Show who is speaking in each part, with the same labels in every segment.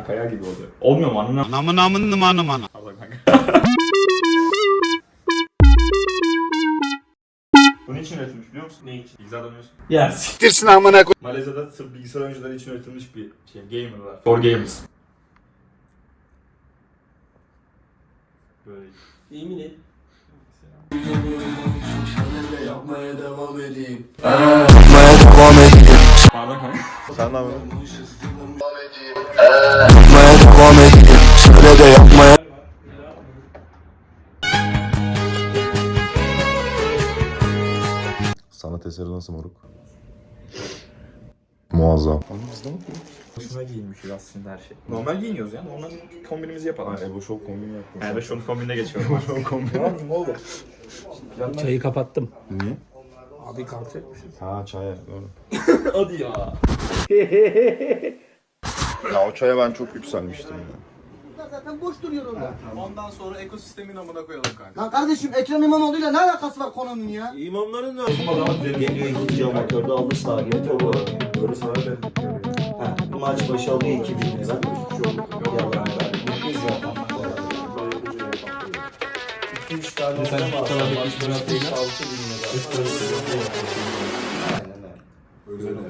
Speaker 1: kaya gibi oluyor. Olmuyor mu anına?
Speaker 2: Anamın.
Speaker 1: Allah kanka. Bunun için üretilmiş biliyor musun? Ne için? Bilgisayar dönüyorsun.
Speaker 3: Ya
Speaker 2: Siktirsin amına koy.
Speaker 1: Malezya'da sırf bilgisayar oyuncuları için üretilmiş bir şey. Gamer'lar. For gamers. Böyle.
Speaker 3: yemin et.
Speaker 4: Yapmaya devam edeyim.
Speaker 1: Pardon kanka.
Speaker 4: Sen ne yapıyorsun? Sanat eseri nasıl moruk? Muazzam.
Speaker 1: Hoşuna giyinmişiz aslında her şey. Normal giyiniyoruz ya. Normal kombinimizi yapalım.
Speaker 4: Ebo Show kombini yaptım.
Speaker 1: Yani şu kombinine geçiyorum.
Speaker 4: Show kombini.
Speaker 1: Ne oldu?
Speaker 3: Çayı kapattım.
Speaker 4: Niye?
Speaker 3: Abi kalkacakmışız.
Speaker 4: Ha çaya doğru.
Speaker 1: Hadi ya.
Speaker 4: Ya o çaya ben çok yükselmiştim ya.
Speaker 5: Zaten boş duruyor orada.
Speaker 6: Ondan sonra ekosistemin amına koyalım kanka.
Speaker 5: Lan kardeşim Ekrem İmamoğlu'yla ne alakası var konunun ya?
Speaker 6: İmamların da
Speaker 7: Geliyor ikinci amatörde aldı sağa getiriyor bu. Doğru sana ben. Ha, maç başı alıyor 2000 lira. Yalan ver. Biz zaten. 2-3 tane sen maç başı 5-6 bin lira. Aynen öyle.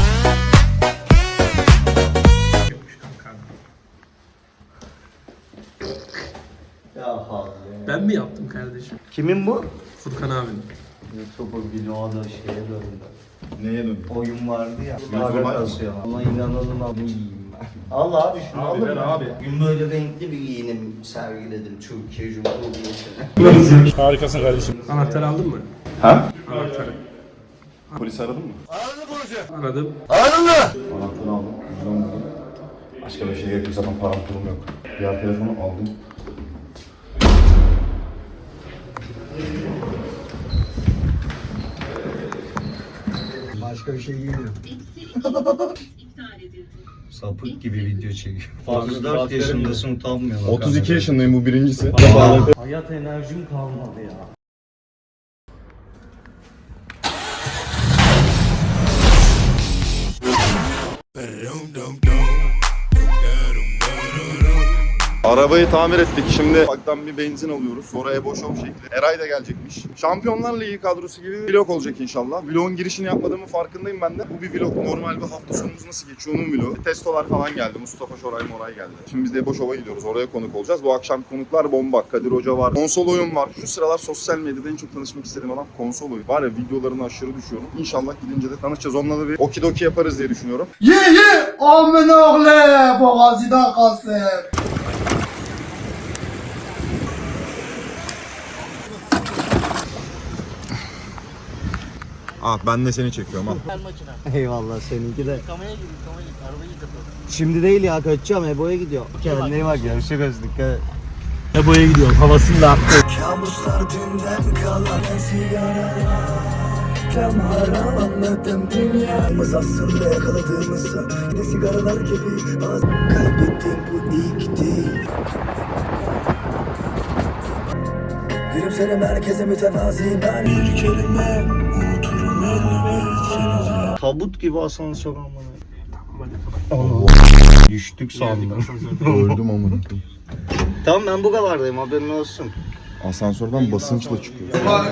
Speaker 7: Ya hadi.
Speaker 3: Ben mi yaptım kardeşim?
Speaker 7: Kimin bu?
Speaker 3: Furkan abinin.
Speaker 7: YouTube'a vloğa da şeye döndü.
Speaker 4: Neye döndü?
Speaker 7: Oyun vardı ya.
Speaker 4: Yüzüme
Speaker 7: Para kasıyor. Ama inanalım abi yiyeyim ben. Allah abi şunu alır mı?
Speaker 1: abi.
Speaker 7: Bugün böyle renkli bir giyinim sergiledim Türkiye Cumhuriyeti'ne.
Speaker 3: Harikasın kardeşim. Anahtarı aldın mı?
Speaker 4: Ha?
Speaker 3: Anahtarı.
Speaker 4: Polisi aradın mı?
Speaker 3: Aradım.
Speaker 4: Anahtarı aldım. Cüzdan buldum. Başka bir şey gerekiyor zaten param pulum yok. Diğer telefonu aldım.
Speaker 7: Başka bir şey giymiyorum. Sapık gibi video çekiyor. 34 yaşındasın utanmıyorsun.
Speaker 4: 32 yaşındayım bu birincisi.
Speaker 7: Hayat enerjim kalmadı ya.
Speaker 4: Arabayı tamir ettik. Şimdi ufaktan bir benzin alıyoruz. Sonra Ebo Show şekli. Eray da gelecekmiş. Şampiyonlar Ligi kadrosu gibi bir vlog olacak inşallah. Vlogun girişini yapmadığımın farkındayım ben de. Bu bir vlog. Normal bir hafta sonumuz nasıl geçiyor onun vlogu. Testolar falan geldi. Mustafa Şoray Moray geldi. Şimdi biz de Ebo Show'a gidiyoruz. Oraya konuk olacağız. Bu akşam konuklar bomba. Kadir Hoca var. Konsol oyun var. Şu sıralar sosyal medyada en çok tanışmak istediğim adam konsol oyun. Var ya videolarını aşırı düşüyorum. İnşallah gidince de tanışacağız. Onunla da bir okidoki yaparız diye düşünüyorum.
Speaker 5: Ye amin oğlu boğazıdan kalsın.
Speaker 4: Ah ben de seni çekiyorum ha.
Speaker 7: Eyvallah seninki de. Şimdi değil ya kaçacağım Ebo'ya gidiyor. Kendine iyi bak görüşürüz dikkat et.
Speaker 3: Ebo'ya gidiyorum. Havasını da attı.
Speaker 8: Kabuslar dünden kalan sigaralar. Reklam haram anladım dünyamız aslında yakaladığımızda yine sigaralar gibi kaybettim bu ilk değil. Gülümserim herkese mütevazi ben bir kelime unuturum elbet.
Speaker 7: Tabut gibi asansör amına. Düştük sandım.
Speaker 4: Öldüm amına.
Speaker 7: Tamam ben bu kadardayım haberin olsun.
Speaker 4: Asansörden basınçla çıkıyor.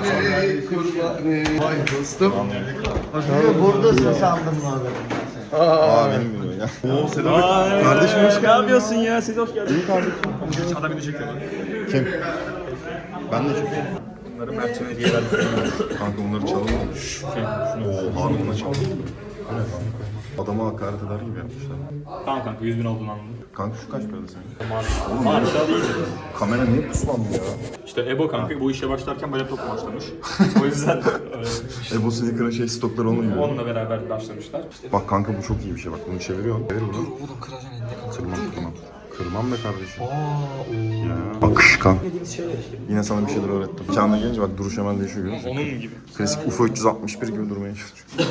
Speaker 6: Vay dostum.
Speaker 7: Buradasın sandım lan ben.
Speaker 4: Aa benim gibi ya. Oo Sedat. Kardeşim hoş geldin.
Speaker 1: Ne yapıyorsun ya? Siz hoş geldiniz.
Speaker 4: İyi kardeşim.
Speaker 1: Adam beni çekiyor.
Speaker 4: Kim? Ben de çekiyorum.
Speaker 1: Bunları Mert'e hediye verdik.
Speaker 4: Kanka onları çalalım mı? Oo harbiden çalalım. Adama hakaret eder gibi yapmışlar.
Speaker 1: Tamam kanka 100.000 olduğunu anladım.
Speaker 4: Kanka şu kaç parada senin?
Speaker 1: Harika değil.
Speaker 4: Kamera niye puslandı ya?
Speaker 1: İşte Ebo kanka bu işe başlarken böyle top başlamış. O yüzden
Speaker 4: Ebo Sneaker'ın stokları onun gibi.
Speaker 1: onunla beraber başlamışlar.
Speaker 4: Bak kanka bu çok iyi bir şey bak bunu çeviriyor. Çevir bunu. Dur oğlum kıracaksın elinde kalacak. Kırmam. Kırmam be kardeşim. Ya. Akışkan. Yine sana bir şeyler öğrettim. Çağına gelince bak duruş hemen değişiyor görüyor musun?
Speaker 1: Onun gibi.
Speaker 4: Klasik UFO 361 gibi durmaya çalışıyor.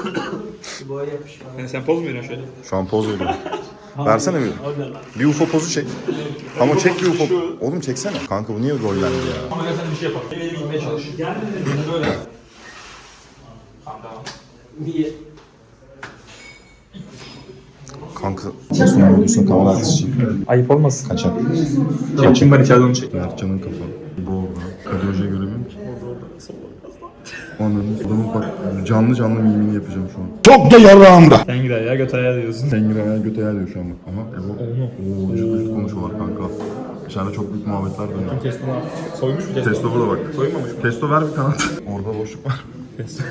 Speaker 1: Yani sen poz mu veriyorsun şöyle?
Speaker 4: Şu an poz veriyorum. Versene bir. Bir UFO pozu çek. Ama çek bir UFO. Oğlum çeksene. Kanka bu niye rollendi ya?
Speaker 1: Ama gel sen bir şey yapalım. Beni gitmeye çalış. Gel beni böyle. Tamam.
Speaker 3: Niye?
Speaker 4: Kanka Osman videosunu kamera arkası
Speaker 1: Ayıp olmasın.
Speaker 4: kaçak.
Speaker 1: Kim var içeride onu çek.
Speaker 4: Mertcan'ın kafa. Bu orada. Kadir Hoca'yı göremiyorum ki. Anladım. Adamın bak canlı mimini yapacağım şu an.
Speaker 2: Çok da yarağımda.
Speaker 1: Sen gider ya göt ayağı diyorsun.
Speaker 4: Tengir ayağı göte ayağı diyor şu an bak. Aha Evo. Oo cırt konuşuyorlar kanka. İçeride çok büyük muhabbetler dönüyor.
Speaker 1: Testo soymuş mu Testo?
Speaker 4: Testo burada bak.
Speaker 1: Soymamış mı?
Speaker 4: Testo ver bir kanat. Orada boşluk var.
Speaker 1: Testo.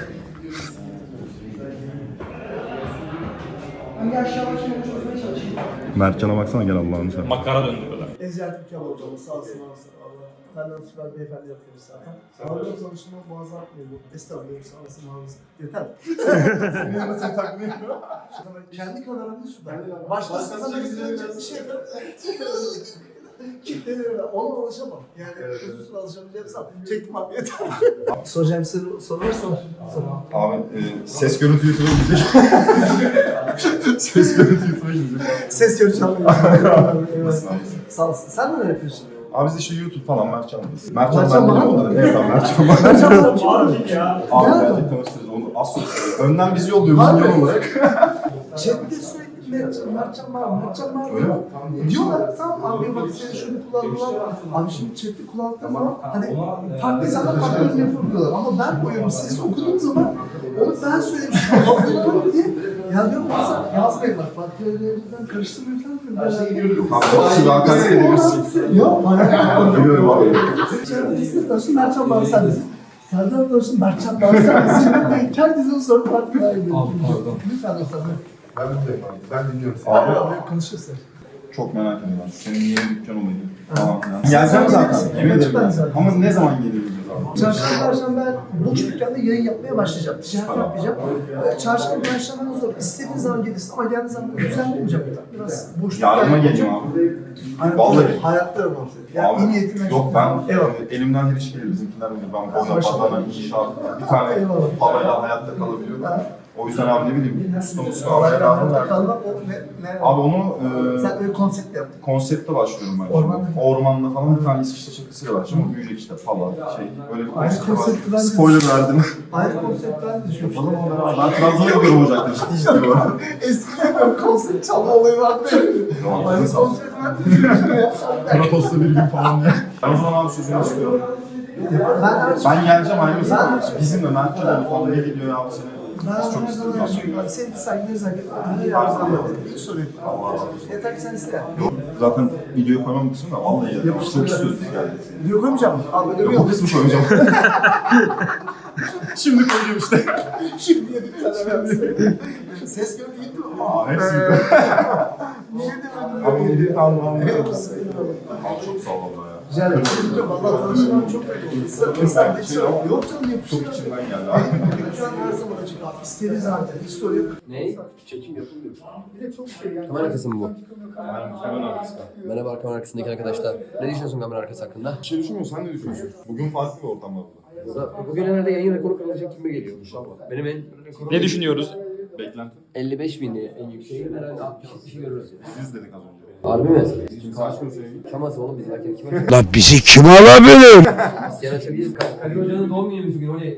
Speaker 4: Mertcan'a baksana gel Allah'ını sen.
Speaker 1: Makara döndürüyorlar.
Speaker 5: Ezel Türkiye hocamız sağ olsun Allah. Benden süper beyefendi yapıyoruz zaten. Sağlıkla tanışma boğazı atmıyor bu. Estağfurullah sağ olsun ağzı. Yeter. Senin yanına seni takmıyor. Kendi kameramda süper. Başkasına bir şey yapar. Kitleleri ona ulaşamam. Yani hususuna alışabileceğim çektim abi yeter. Soracağım size soru varsa sor.
Speaker 4: Abi ses görüntü YouTube'a gidecek. Ses görüntü YouTube'a gidecek.
Speaker 5: Ses göreceğim.
Speaker 4: Nasılsın abi?
Speaker 5: Sağ olasın. Sen neler yapıyorsun?
Speaker 4: Abi biz işte YouTube falan Mertcan'dayız. Mertcan
Speaker 5: Mertcan
Speaker 4: ben
Speaker 5: bana
Speaker 4: de
Speaker 5: mı?
Speaker 4: Evet abi Mertcan bana.
Speaker 5: Mertcan bana kim ya?
Speaker 4: Abi gelecek tanıştırırız onu az sonra. Önden bizi yolluyor bizim yol olarak.
Speaker 5: Chatte sürekli Mertcan var.
Speaker 4: Öyle mi?
Speaker 5: Diyorlar tamam abi bak senin şunu kullandılar. Abi şimdi chatte kullandığın zaman hani farklı insanlar farklı yorum yapabiliyorlar. Ama ben koyuyorum sesi okuduğum zaman onu ben söylemişim. Anlıyorum diye. Ya diyorum bazen yazmayın bak farklı yerlerinden karıştırmayın falan diyorum.
Speaker 4: Abi şu hakaret edebilirsin.
Speaker 5: Yok hayır.
Speaker 4: Biliyorum abi.
Speaker 5: Chatte tanıştın Mertcan var sen misin? Serdar tanıştın Mertcan var sen misin? Herkesin soru farklı var. Lütfen dostlar.
Speaker 4: Ben buradayım abi. Ben dinliyorum.
Speaker 5: Abi
Speaker 4: Abi
Speaker 5: konuşuruz.
Speaker 4: çok merak ediyorum. Senin yeni dükkan olaydı. Tamam. Geleceğim zaten. Yemin ederim. Ama ne zaman gelebiliriz abi?
Speaker 5: Çarşamba, Perşembe boş dükkanda yayın yapmaya başlayacağım. Ticaret yapmayacağım. Çarşamba, Perşembe zor. İstediğiniz zaman gelirsin ama geldiğiniz zaman düzenli olacak. Biraz boş
Speaker 4: Yardıma geleceğim abi. Vallahi.
Speaker 5: Hayatta yok. Ya
Speaker 4: Abi,
Speaker 5: iyi niyetinden.
Speaker 4: yok ben
Speaker 5: Eyvallah.
Speaker 4: elimden her iş gelir bizimkiler bilir. Ben boya, badana, inşaat, bir tane
Speaker 5: Eyvallah.
Speaker 4: parayla hayatta kalabiliyorum. O yüzden abi ne bileyim usta almaya
Speaker 5: Allah'a
Speaker 4: lazım.
Speaker 5: emanet kalmak o ne?
Speaker 4: Abi onu
Speaker 5: Sen öyle konsept yaptın.
Speaker 4: konsepte başlıyorum ben.
Speaker 5: Ormanda.
Speaker 4: Ormanda falan bir tane İsviçre şakasıyla başlıyorum. Büyüyecek işte falan şey. Öyle bir
Speaker 5: Aynı
Speaker 4: konsepte
Speaker 5: konsepti ben de-
Speaker 4: Spoiler verdim.
Speaker 5: Aynı konsept ben de düşünmüştüm.
Speaker 4: Yapalım onları. Ben Trabzon'a gidiyorum Ocak'ta işte bu arada.
Speaker 5: Eskiden böyle konsept çalma olayı vardı. Aynı konsept ben de düşünmüştüm ya.
Speaker 4: Kratos'ta bir gün falan diye. Ben o zaman abi sözünü istiyorum. Ben geleceğim aynı zaman. Bizimle Mertcan'la falan ne gidiyor ya abi seni. Biz çok
Speaker 5: her zaman
Speaker 4: istiyoruz.
Speaker 5: yaşıyorum. Sevgi saygı nezaket. Her zaman hiç sorun yok. Yeter ki sen iste.
Speaker 4: Zaten videoyu koymam kısmı da vallahi ya. Çok istiyoruz biz yani.
Speaker 5: Video koymayacağım mı? Abi böyle
Speaker 4: Bu
Speaker 5: yok.
Speaker 4: kısmı koyacağım. Şimdi koyacağım işte.
Speaker 5: Şimdi yedik tane ses gördü gitti mi?
Speaker 4: Aa hepsi gidiyor.
Speaker 5: Niye demedim?
Speaker 4: Abi ne diyeyim anlamam. Abi
Speaker 5: Eyvallah.
Speaker 4: çok sağ ol valla ya.
Speaker 5: Rica ederim. Valla tanışmam çok iyi oldu. Mesela hiç sorun yok. Yok canım yapışıyor.
Speaker 4: Çok içimden geldi abi.
Speaker 5: Şu an her zaman açık abi. İsteriz zaten. Hiç sorun yok.
Speaker 9: Ne? Çekim yapılmıyor.
Speaker 5: Bir de çok şey yani.
Speaker 9: Kamera arkası mı bu?
Speaker 4: Hemen arkası.
Speaker 9: Merhaba kamera arkasındaki arkadaşlar. Ne düşünüyorsun kamera arkası hakkında?
Speaker 4: Bir şey düşünmüyorsun, sen ne düşünüyorsun? Bugün farklı bir ortam var burada.
Speaker 9: Bugün herhalde yayın rekoru kırılacak gibi geliyor inşallah. Benim en rekorum
Speaker 1: Ne düşünüyoruz?
Speaker 4: Beklenti.
Speaker 9: 55 bin diye en yüksek. Herhalde 60 kişi görürüz.
Speaker 4: 100 dedik az önce.
Speaker 9: Harbi mi?
Speaker 4: Kimse açmıyor sevgi.
Speaker 9: Şaması oğlum biz varken kime?
Speaker 2: Lan bizi kim alabilir?
Speaker 9: İsteyen açabiliriz. Kadir Hoca'nın doğum günüymüş bugün. O ne?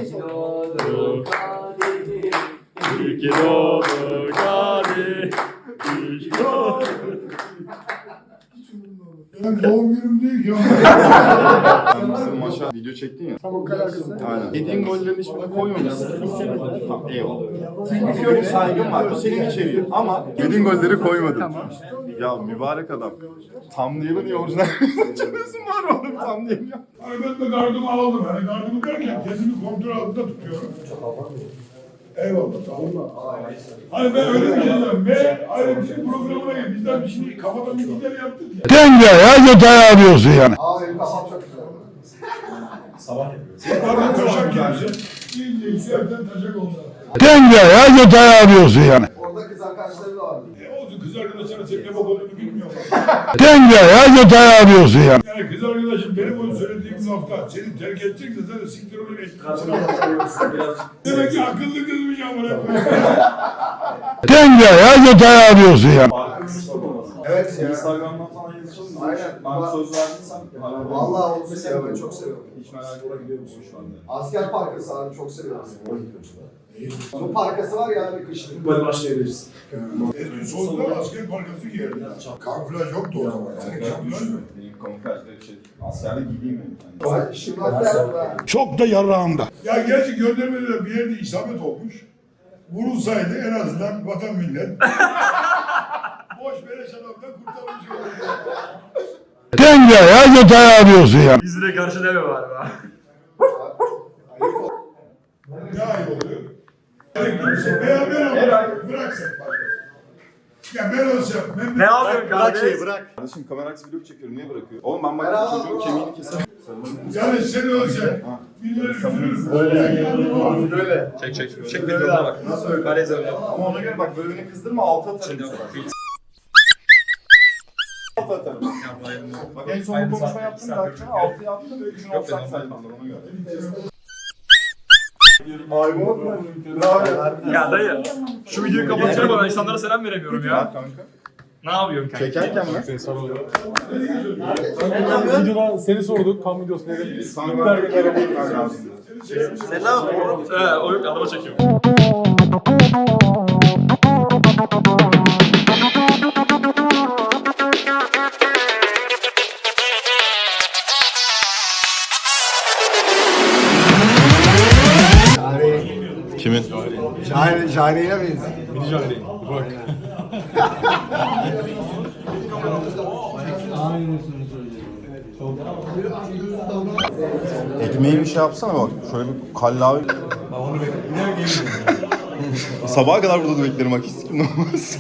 Speaker 5: Doğum günüm değil ya.
Speaker 4: Sen bizim maça video çektin ya.
Speaker 5: Tam o kadar kızı.
Speaker 4: Aynen. Yediğin gollerin hiçbirini koymamışsın. Tamam eyvallah. Benim saygım var. Bu senin içeriğin. Ama yediğin golleri koymadın. Ya mübarek adam. Thumbnail'ı niye orijinal çekiyorsun var mı oğlum thumbnail ya?
Speaker 10: Hani ben de gardımı aldım. Hani gardımı derken kendimi kontrol altında tutuyorum. Eyvallah tamam. Hani ben öyle bir şey diyorum. Ve ayrı bir şey programına gel. Bizden bir şey kafadan bir gider yaptık ya.
Speaker 2: Denge ya detay arıyorsun yani.
Speaker 5: Abi benim kafam çok güzel.
Speaker 10: Yukarıdan taşak gelsin. İyice yükselten taşak olsa.
Speaker 2: Denge ya detay arıyorsun yani.
Speaker 5: Orada kız arkadaşları da vardı.
Speaker 10: Olsun kız arkadaşlar senin ne bok olduğunu bilmiyorlar.
Speaker 2: Denge ya detay arıyorsun yani.
Speaker 10: Yani kız arkadaşım benim onu söylediğim lafta seni terk edecekse zaten siktir onu etkilesin. Demek ki akıllı kızmış amına koyayım.
Speaker 2: Denge ya detay arıyorsun yani.
Speaker 4: Evet ya. Instagram'dan falan yazışalım. Aynen. Ben söz verdiysem.
Speaker 5: Vallahi onu seviyorum. Ben çok seviyorum.
Speaker 4: Hiç merak etme gidiyorum şu anda.
Speaker 5: Asker Parkı sahne çok seviyorum. Bu parkası var ya bir kışın.
Speaker 9: Böyle başlayabiliriz.
Speaker 10: Eski solda asker parkası giyerdi. Kamuflaj yoktu o zaman. Senin kamuflaj mı?
Speaker 4: Benim kamuflajları askerlik giyeyim mi?
Speaker 5: Şimdi bak
Speaker 2: Çok da yarağımda.
Speaker 10: Ya gerçi göndermede bir yerde isabet olmuş. Vurulsaydı en azından vatan millet boş beleş adamdan kurtarmış olurdu.
Speaker 2: Denge ya detay arıyorsun ya.
Speaker 3: Bizi de karşılama var be.
Speaker 10: Ne ayıp oluyor? Veya ben olsam bıraksak bak. Ya ben olsam
Speaker 3: Ne yapıyorsun kardeş?
Speaker 4: Bırak. Kardeşim kamera aksi vlog çekiyorum. Niye bırakıyor? Oğlum ben bak çocuğun kemiğini keserim.
Speaker 10: yani sen olsan birileri üzülür.
Speaker 4: Böyle.
Speaker 3: Çek bir yoluna bak.
Speaker 4: Nasıl öyle? Ama ona göre bak böyle beni kızdırma altı atarım. Altı atarım. Bak en son bu konuşma yaptım da akşam altıya attım. Üçün offside saydım ona göre. Aybo. Ne yapıyorsun?
Speaker 3: Ya dayı. Şu videoyu kapatacağım ama ben insanlara selam veremiyorum ya.
Speaker 4: Kanka.
Speaker 3: Ne yapıyorsun kanka?
Speaker 4: Çekerken mi?
Speaker 9: Videoda seni sorduk. Kan videosu ne dedi?
Speaker 4: Sen lazım.
Speaker 3: O yok adama çekiyorum.
Speaker 4: Kimin?
Speaker 5: Jari'ye benziyor.
Speaker 9: Mini Jahreyn. Bak.
Speaker 4: Ekmeği bir şey yapsana bak. Şöyle bir kallavi. Sabaha kadar burada da beklerim bak. Hiç kim olmaz.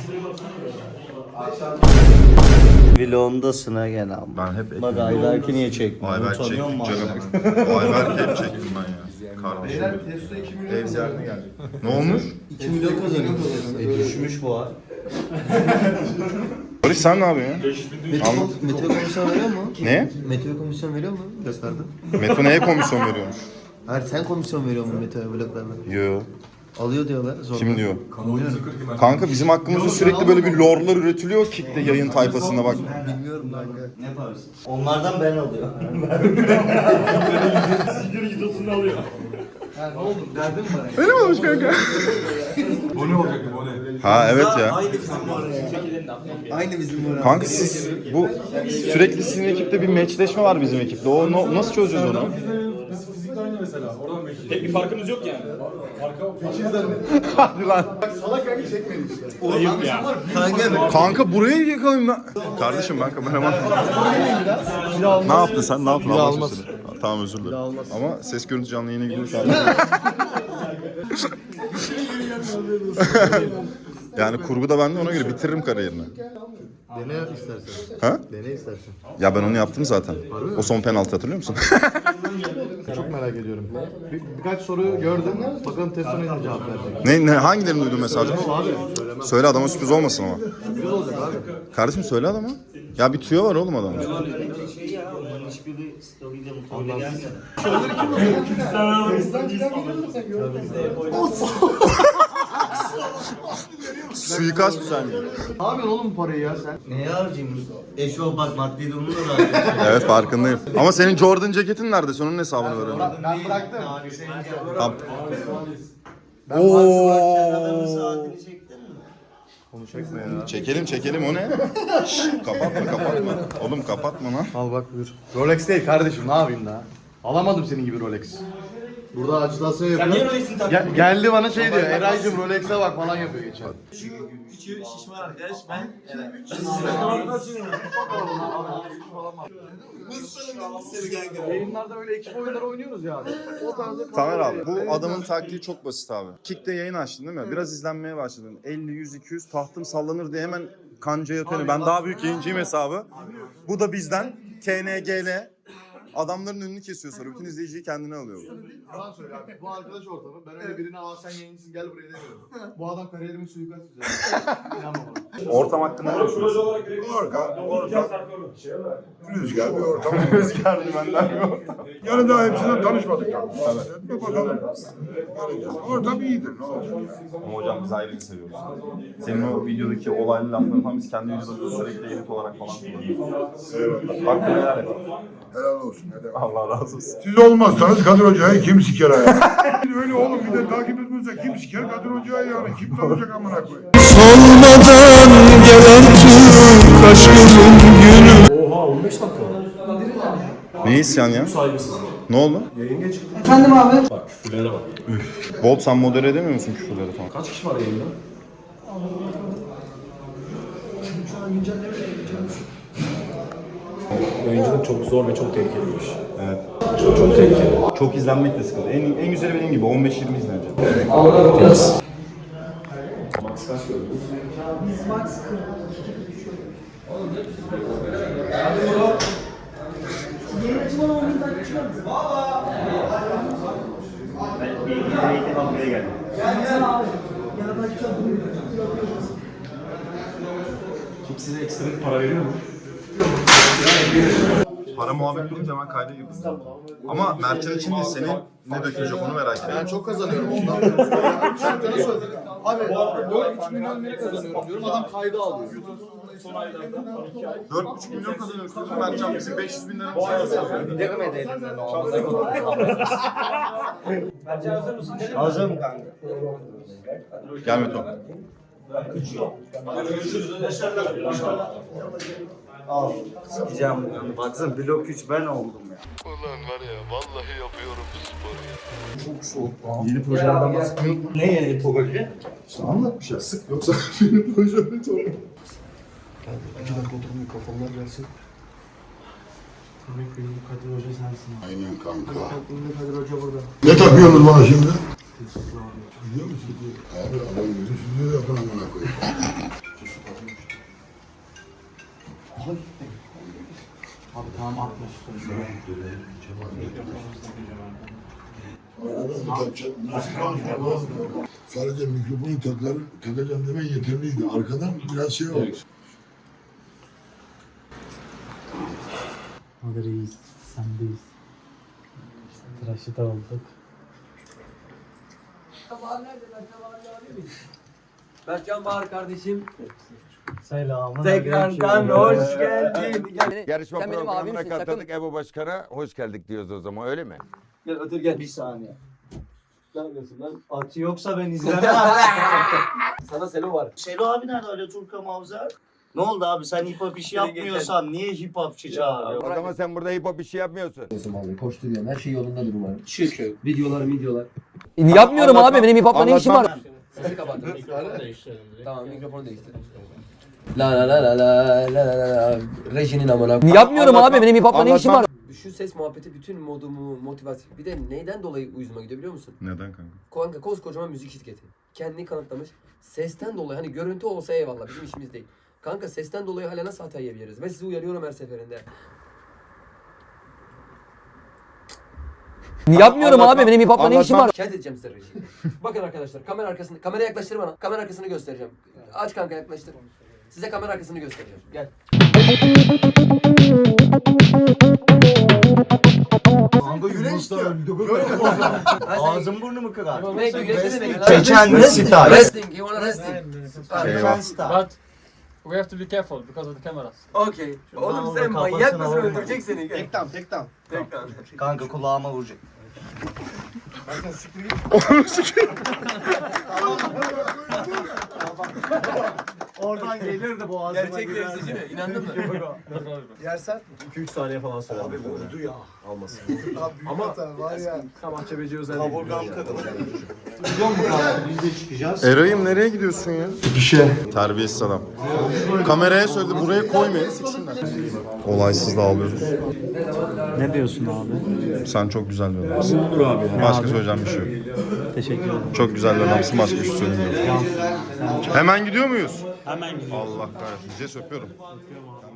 Speaker 7: Vlogundasın ha gene ama.
Speaker 4: Ben hep
Speaker 7: Bak Ayberk'i niye çekmiyor?
Speaker 4: Ayberk
Speaker 7: Utanıyor
Speaker 4: çektim
Speaker 7: musun
Speaker 4: canım. Ayberk hep çektim ben ya. Kardeşim. Ev ziyaretine geldik. Ne olmuş?
Speaker 7: 2 milyon kazanıyor. Düşmüş bu ha.
Speaker 4: Barış sen ne yapıyorsun ya?
Speaker 5: Meteo komisyon veriyor mu?
Speaker 4: Ne?
Speaker 5: Meteo komisyon veriyor mu? Gösterdi.
Speaker 4: Meto neye komisyon veriyormuş?
Speaker 5: Hayır sen komisyon veriyor musun Meteo bloklarına?
Speaker 4: Yo.
Speaker 5: Alıyor diyorlar. Zorla.
Speaker 4: Kim diyor? Kanka bizim hakkımızda sürekli böyle bir lorlar üretiliyor Kick'te yayın tayfasında bak.
Speaker 5: Bilmiyorum kanka.
Speaker 7: Ne yaparsın? Onlardan ben alıyorum.
Speaker 5: Ha ne oldu? Derdin mi bana?
Speaker 4: Öyle mi olmuş kanka?
Speaker 9: Bone olacaktı bone.
Speaker 4: Ha evet ya.
Speaker 5: Aynı bizim bu.
Speaker 4: Kanka siz bu sürekli sizin ekipte bir meçleşme var bizim ekipte. O nasıl çözeceğiz onu?
Speaker 9: Biz fizikte aynı mesela. Oradan bekliyoruz.
Speaker 3: Tek bir farkımız yok yani.
Speaker 4: Hadi lan.
Speaker 3: Ayıp ya.
Speaker 4: Kanka buraya yakalım lan. Kardeşim ben kameraman. Ne yaptın sen? Ne yaptın? Allah aşkına söyle. Tamam özür dilerim. Ama ses görüntü canlı yayına girmiş abi. Yani kurgu da bende ona göre bitiririm kariyerini.
Speaker 5: Dene istersen.
Speaker 4: Ha?
Speaker 5: Dene istersen.
Speaker 4: Ya ben onu yaptım zaten. O son penaltı hatırlıyor musun?
Speaker 5: Çok merak ediyorum. Birkaç soru gördüm. Bakalım Testo'na ne cevap verecek.
Speaker 4: ne hangilerini duydun mesela?
Speaker 5: Abi söylemem.
Speaker 4: Söyle adama sürpriz olmasın ama.
Speaker 5: Güzel olacak abi.
Speaker 4: Kardeşim söyle adama. Ya bir tüyo var oğlum adamın.
Speaker 7: Şey ya, onların hiçbiri story'de mutlu ederken.
Speaker 4: Suikast düzenliyor.
Speaker 5: Ne yapıyorsun oğlum bu parayı ya sen?
Speaker 7: Neye harcayayım? Eşo bak maddi durumunu da harcayayım.
Speaker 4: Evet farkındayım. Ama senin Jordan ceketin nerede? Onun hesabını verelim.
Speaker 5: Ben bıraktım.
Speaker 4: Tamam.
Speaker 7: Adamın saatini çektin mi?
Speaker 4: Çekelim o ne? Şşş, kapatma. Oğlum kapatma lan.
Speaker 5: Al bak buyur. Rolex değil kardeşim ne yapayım daha? Alamadım senin gibi Rolex. Burada acitasyon yapıyor.
Speaker 3: Niye Rolex'in taktın?
Speaker 5: Geldi bana şey diyor. Eray'cım Rolex'e bak falan yapıyor geçen.
Speaker 3: Küçüğü şişman arkadaş ben.
Speaker 5: Yayınlarda böyle ekip oyunları oynuyoruz ya abi. O tarzda
Speaker 4: Tamer abi bu adamın taktiği çok basit abi. Kick'te yayın açtın değil mi? Biraz izlenmeye başladın. 50, 100, 200 tahtım sallanır diye hemen kancaya atıyor. Ben daha büyük yayıncıyım hesabı. Bu da bizden KNGL. Adamların önünü kesiyor sonra. Bütün izleyiciyi kendine alıyor.
Speaker 5: Yalan söyle abi. Bu arkadaş ortamı. Ben öyle birine sen yayıncısın gel buraya demiyorum. Bu adam kariyerimin suikast düzenliyor. İnanma bana.
Speaker 4: Ortam hakkında ne düşünüyorsun?
Speaker 10: Ortam rüzgar bir ortam.
Speaker 4: Rüzgar dümenden bir ortam.
Speaker 10: Yani daha hepsinden tanışmadık tabii. Evet. Bakalım. Göreceğiz. Ortam iyidir. Ne olacak yani?
Speaker 4: Ama hocam biz ayrı seviyoruz. Senin o videodaki olaylı lafları falan biz kendi videolarımızda sürekli edit olarak falan kullanıyoruz.
Speaker 10: Eyvallah.
Speaker 4: Bak neler yapalım.
Speaker 10: Helal olsun.
Speaker 1: Allah razı olsun.
Speaker 10: Siz olmazsanız Kadir Hoca'yı kim siker ayağa? Öyle oğlum bir de takip etmezse kim siker Kadir Hoca'yı yani? Kim tanıyacak amına koyayım?
Speaker 2: Solmadan gelen Türk aşkının günü.
Speaker 9: Oha 15 dakika.
Speaker 4: Ne isyan ya? Ne oldu?
Speaker 5: Efendim abi.
Speaker 9: Bak küfürlere bak.
Speaker 4: Bolt sen modere edemiyor musun küfürleri falan?
Speaker 9: Kaç kişi var yayında? Oyunculuk çok zor ve çok tehlikeliymiş.
Speaker 4: Evet.
Speaker 9: Çok tehlikeli.
Speaker 4: Çok izlenmek de sıkıntı. En güzeli benim gibi 15-20 izlenecek.
Speaker 9: Max kaç gördünüz? Kim size ekstra bir para veriyor mu?
Speaker 4: Para muhabbet durunca hemen kayda girdim. Ama Mertcan için değil, senin ne dökülecek onu merak ediyorum.
Speaker 6: Ben çok kazanıyorum ondan. Mertcan'a söyledim. Abi 4,5 milyon lira kazanıyorum diyorum. Adam kaydı alıyor.
Speaker 4: 4,5 milyon kazanıyoruz diyorsun, Mertcan bizim 500 bin lira mı sayıyorsun?
Speaker 7: Demedi elinden o. Hazırım kanka.
Speaker 4: Gel Meto.
Speaker 7: Al. Sikeceğim bunu. Baksana blok 3 ben oldum ya.
Speaker 2: Ulan var ya vallahi yapıyorum bu sporu ya.
Speaker 6: Çok soğuk.
Speaker 4: Yeni projelerden bahsetmiyor mu?
Speaker 7: Ne yeni proje?
Speaker 6: İşte anlatmış ya sık yoksa benim projemi çok. 2 dakika oturun mikrofonlar gelsin.
Speaker 5: Kadir Hoca sensin.
Speaker 10: Aynen kanka.
Speaker 5: Kadir Hoca burada.
Speaker 10: Ne takıyorsunuz bana şimdi? Biliyor musun? Abi adam gözü süzüyor yakın amına koyayım.
Speaker 5: Abi tamam atma şu sözü.
Speaker 10: Nasıl konuşma? Sadece mikrofonu takacağım demen yeterliydi. Arkadan biraz şey oldu.
Speaker 5: Hadi reis, sendeyiz. Tıraşı da olduk.
Speaker 9: Berkcan Bahar kardeşim.
Speaker 5: Selamın
Speaker 7: Tekrardan hoş geldin.
Speaker 2: Yarışma
Speaker 11: Sen benim
Speaker 2: programına
Speaker 11: abimsin,
Speaker 2: katıldık. Ebu Başkan'a hoş geldik diyoruz o zaman öyle mi?
Speaker 7: Gel otur gel. Bir saniye. Ne yapıyorsun lan? Atı yoksa ben izlemem.
Speaker 9: Sana Selo var.
Speaker 7: Selo abi nerede öyle Turka Mavzer? Ne oldu abi sen hip hop işi yapmıyorsan niye hip hopçı çağırıyorsun?
Speaker 2: O zaman sen burada hip hop işi yapmıyorsun.
Speaker 11: Koşturuyorum. Her şey yolundadır umarım.
Speaker 9: Videolar.
Speaker 11: Yapmıyorum abi. Benim hip hop'la ne işim var?
Speaker 9: Sesi kapattım. Mikrofonu değiştirelim. Tamam mikrofonu değiştir.
Speaker 11: La la la la la la la la. Rejinin amına. Yapmıyorum abi. Benim hip hop'la ne işim var?
Speaker 9: Şu ses muhabbeti bütün modumu, motivasyon. Bir de neyden dolayı uyuzuma gidiyor biliyor musun?
Speaker 4: Neden kanka?
Speaker 9: Kanka koskocaman müzik şirketi. Kendini kanıtlamış. Sesten dolayı hani görüntü olsa eyvallah bizim işimiz değil. Kanka sesten dolayı hala nasıl hata yiyebiliriz? Ve sizi uyarıyorum her seferinde.
Speaker 11: Yapmıyorum abi. Benim hip hop'la ne işim var?
Speaker 9: Şikayet edeceğim size rejiyi. Bakın arkadaşlar kamera arkasını, kamera yaklaştır bana. Kamera arkasını göstereceğim. Aç kanka yaklaştır. Size kamera arkasını göstereceğim. Gel.
Speaker 7: Kanka güneş diyor. Ağzım burnumu kırar.
Speaker 9: Ne güneş
Speaker 7: Çeçen star.
Speaker 9: Resting, you wanna resting?
Speaker 7: Çeçen star.
Speaker 3: We have to be careful because of the cameras.
Speaker 9: Okay. Oğlum sen manyak mısın? Öldürecek seni. Gel.
Speaker 6: Tek tam.
Speaker 7: Kanka kulağıma vuracak. Oradan gelirdi boğazıma.
Speaker 9: Gerçek temsilci mi? İnandın mı?
Speaker 6: Yersen
Speaker 9: 2-3 saniye falan sürer.
Speaker 6: abi vurdu ya.
Speaker 9: Almasın.
Speaker 6: Ama var ya.
Speaker 9: Mahçebeci özelliği.
Speaker 7: Kaburgam kırılır.
Speaker 4: Eray'ım nereye gidiyorsun ya?
Speaker 10: İşe.
Speaker 4: Terbiyesiz adam. Kameraya söyledi buraya koymayın siksinler. Olaysız dağılıyoruz.
Speaker 5: Ne diyorsun abi?
Speaker 4: Sen çok güzel bir adamsın.
Speaker 5: Olur abi.
Speaker 4: Başka söyleyeceğim bir şey yok.
Speaker 5: Teşekkür ederim.
Speaker 4: Çok güzel bir adamsın, başka bir şey söylemiyorum. Hemen gidiyor muyuz?
Speaker 5: Hemen gidiyoruz.
Speaker 4: Allah kahretsin. Ces öpüyorum.